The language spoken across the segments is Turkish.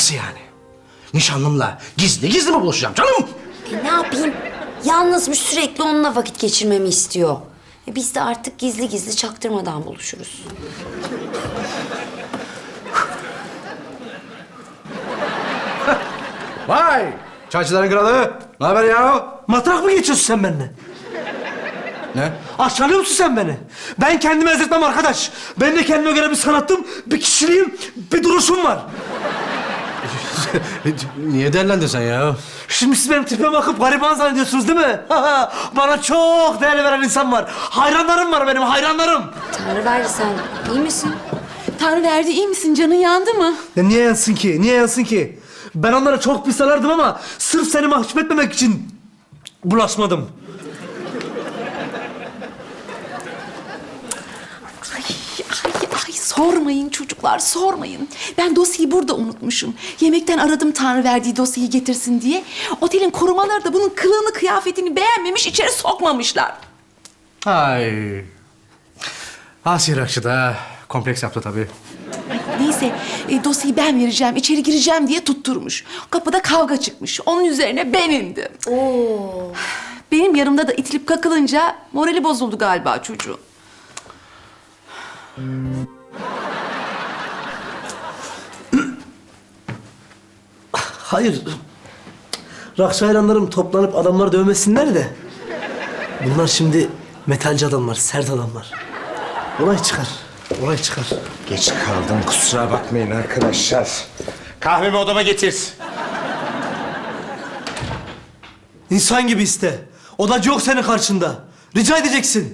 Nasıl yani? Nişanlımla gizli gizli mi buluşacağım canım? Ne yapayım? Yalnızmış, sürekli onunla vakit geçirmemi istiyor. Biz de artık gizli gizli çaktırmadan buluşuruz. Vay! Çaycıların kralı. Ne haber ya? Matrak mı geçiyorsun sen benimle? Ne? Aşağılıyor musun sen beni? Ben kendimi ezdirtmem arkadaş. Ben de kendime göre bir sanatım, bir kişiliğim, bir duruşum var. Niye derlendin sen ya? Şimdi siz benim tipime bakıp gariban zannediyorsunuz değil mi? Bana çok değer veren insan var. Hayranlarım var benim, hayranlarım. Tanrıverdi, sen iyi misin? Tanrıverdi, iyi misin? Canın yandı mı? Ya niye yansın ki? Niye yansın ki? Ben onlara çok pis alardım ama sırf seni mahcup etmemek için bulaşmadım. Ay sormayın çocuklar, sormayın. Ben dosyayı burada unutmuşum. Yemekten aradım Tanrıverdi'yi dosyayı getirsin diye. Otelin korumaları da bunun kılığını, kıyafetini beğenmemiş, içeri sokmamışlar. Ay. Asiye Rakçı da kompleks yaptı tabii. Neyse, dosyayı ben vereceğim, içeri gireceğim diye tutturmuş. Kapıda kavga çıkmış. Onun üzerine ben indim. Oo. Benim yanımda da itilip kakılınca morali bozuldu galiba çocuğun. Hayır. Rakçı hayranlarım toplanıp adamları dövmesinler de. Bunlar şimdi metalci adamlar, sert adamlar. Olay çıkar. Olay çıkar. Geç kaldım, kusura bakmayın arkadaşlar. Kahvemi odama getir. İnsan gibi iste. Odacı yok senin karşında. Rica edeceksin.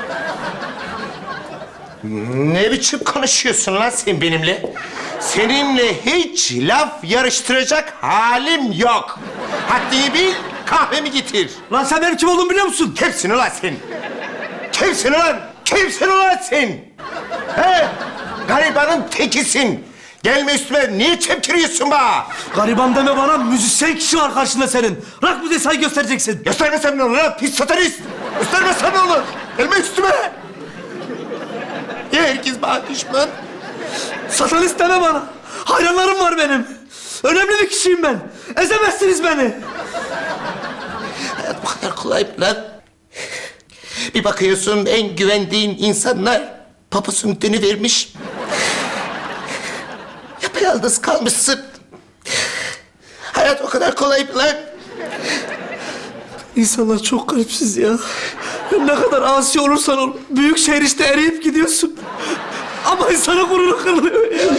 Ne biçim konuşuyorsun lan sen benimle? Seninle hiç laf yarıştıracak halim yok. Haddini bil, kahvemi getir. Lan sen benim kim olduğumu biliyor musun? Kimsin ulan sen? Kimsin ulan? Kimsin ulan sen? He? Garibanın tekisin. Gelme üstüme, niye çemkiriyorsun bana? Gariban deme bana, müzisyen kişi var karşında senin. Rock müziği saygı göstereceksin. Göstermesem ne olur lan? Pis satanist! Göstermesem ne olur? Gelme üstüme! Niye herkes bana düşman? Satanist deme bana. Hayranlarım var benim. Önemli bir kişiyim ben. Ezemezsiniz beni. Hayat bu kadar kolay mı lan? Bir bakıyorsun en güvendiğin insanlar papusun dönüvermiş. Yapayalnız kalmışsın. Hayat o kadar kolay mı lan? İnsanlar çok garipsiz ya. Ne kadar asi olursan ol, büyük şehir işte eriyip gidiyorsun. Ama insana gururu kırılıyor ya.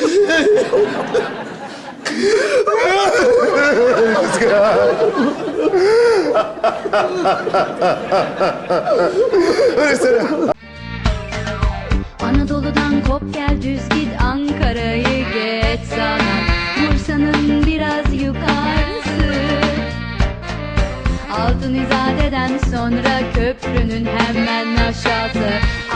Anadolu'dan kop gel düz git, Ankara'yı geç sana, Bursa'nın biraz yukarısı. Altın İzade'den sonra köprünün hemen aşağısı.